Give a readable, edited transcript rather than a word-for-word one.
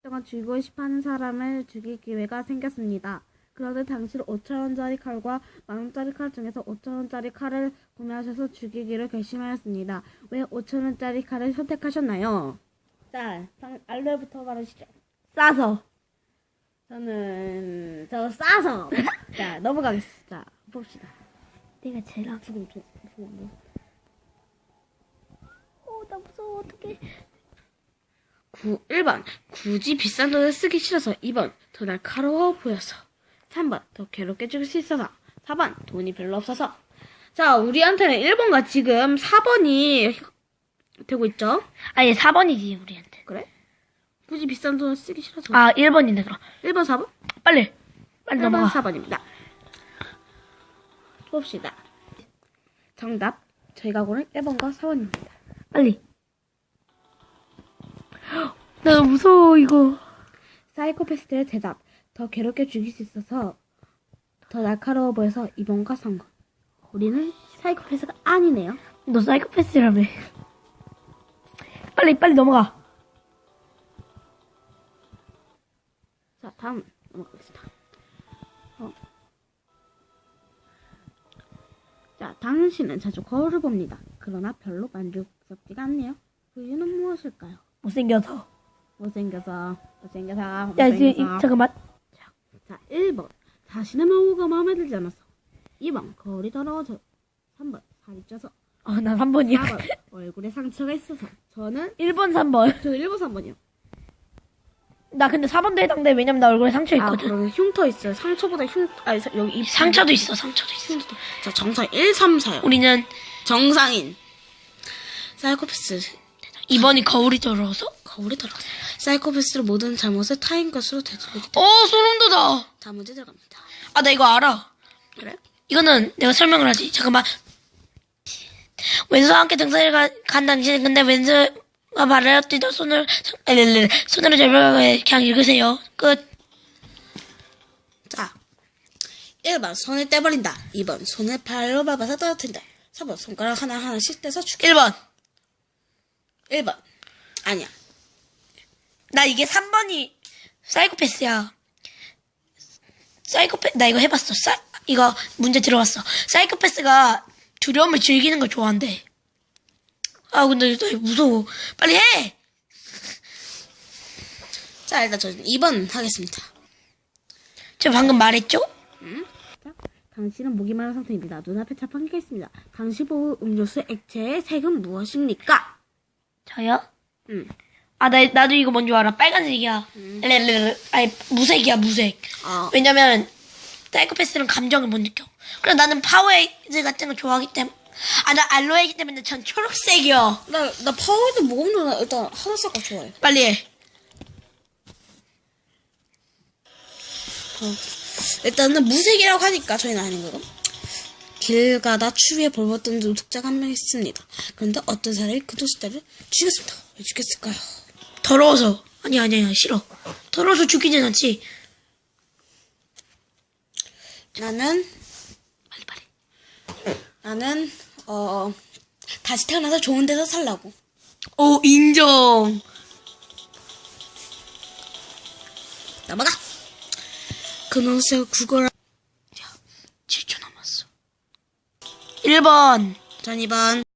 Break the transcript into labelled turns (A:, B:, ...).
A: 동안 죽이고 싶어하는 사람을 죽일 기회가 생겼습니다. 그런데 당신은 5,000원짜리 칼과 10,000원짜리 칼 중에서 5,000원짜리 칼을 구매하셔서 죽이기로 결심하였습니다. 왜 5,000원짜리 칼을 선택하셨나요? 자, 알로에부터 말하시죠.
B: 싸서.
A: 저는 싸서. 자, 넘어가겠습니다. 자, 봅시다.
B: 내가 제일 안
A: 지금
B: 나 무서워, 어떡해.
A: 1번 굳이 비싼 돈을 쓰기 싫어서. 2번 더 날카로워 보여서. 3번 더 괴롭게 죽일 수 있어서. 4번 돈이 별로 없어서. 자, 우리한테는 1번과 지금 4번이 되고 있죠?
B: 아니, 4번이지, 우리한테.
A: 그래? 굳이 비싼 돈을 쓰기 싫어서.
B: 아, 1번이네, 그럼.
A: 1번 4번?
B: 빨리
A: 1번
B: 넘어가.
A: 4번입니다. 봅시다. 정답 저희가 고른 1번과 4번입니다.
B: 빨리. 나 너무 무서워, 이거.
A: 사이코패스들의 대답. 더 괴롭게 죽일 수 있어서. 더 날카로워 보여서 2번과 3번. 우리는 사이코패스가 아니네요.
B: 너 사이코패스라며. 빨리 넘어가.
A: 자, 다음 넘어가겠습니다. 자, 당신은 자주 거울을 봅니다. 그러나 별로 만족스럽지가 않네요. 그 이유는 무엇일까요?
B: 못생겨서.
A: 못생겨서.
B: 야, 지금, 잠깐만.
A: 자, 1번. 자신의 마모가 마음에 들지 않아서. 2번. 거울이 더러워져. 3번. 살이 쪄서.
B: 난 3번이야.
A: 4번. 얼굴에 상처가 있어서. 저는
B: 1번, 3번.
A: 저 1번, 3번이요.
B: 나 근데 4번도 해당돼. 왜냐면 나 얼굴에 상처
A: 아,
B: 있거든.
A: 그러면 흉터 있어요. 상처보다 여기 입
B: 상처도 있어, 상처도 있어.
A: 흉터. 자, 정상 1, 3, 4요.
B: 우리는
A: 정상인. 사이코패스.
B: 2번이 거울이 더러워서?
A: 거울이 더러워서. 사이코패스를 모든 잘못을 타인 것으로 되돌리기 때문에.
B: 소름 돋아.
A: 다음 문제 들어갑니다.
B: 나 이거 알아.
A: 그래?
B: 이거는 내가 설명을 하지. 잠깐만. 왼손과 함께 등산을 간 당신. 근데 왼손과 발을 뛰다 손으로 절벽에 그냥 읽으세요. 끝.
A: 자, 1번 손을 떼버린다. 2번 손을 발로 밟아서 떨어뜨린다. 3번 손가락 하나하나씩 떼서 죽여.
B: 1번.
A: 1번. 아니야.
B: 나 이게 3번이 사이코패스야. 나 이거 해봤어. 이거 문제 들어봤어. 사이코패스가 두려움을 즐기는 걸 좋아한대. 근데 나 무서워. 빨리 해!
A: 자, 일단 저는 2번 하겠습니다.
B: 제가 방금 말했죠?
A: 자, 당신은 목이 마른 상태입니다. 눈앞에 자판기가 있습니다. 당신 보호 음료수 액체의 색은 무엇입니까?
B: 저요?
A: 응.
B: 나도 이거 뭔지 알아. 빨간색이야. 아니, 무색이야, 무색. 왜냐면, 사이코패스는 감정을 못 느껴. 그래, 나는 파워에이드 같은 거 좋아하기 때문에. 나 알로에이기 때문에 전 초록색이요.
A: 나 파워에이드 먹으면 일단 하늘색 거 좋아해.
B: 빨리 해.
A: 일단은 무색이라고 하니까 저희는 아닌 거고. 길 가다 추위에 벌벗던 노숙자가 한 명 있습니다. 그런데 어떤 사람이 그 노숙자를 죽였습니다. 왜 죽였을까요?
B: 더러워서. 아니야, 싫어. 더러워서 죽이진 않지.
A: 나는 다시 태어나서 좋은 데서 살라고.
B: 인정.
A: 넘어가. 그 노숙자 구걸.
B: 7초 남았어. 1번.
A: 전 2번.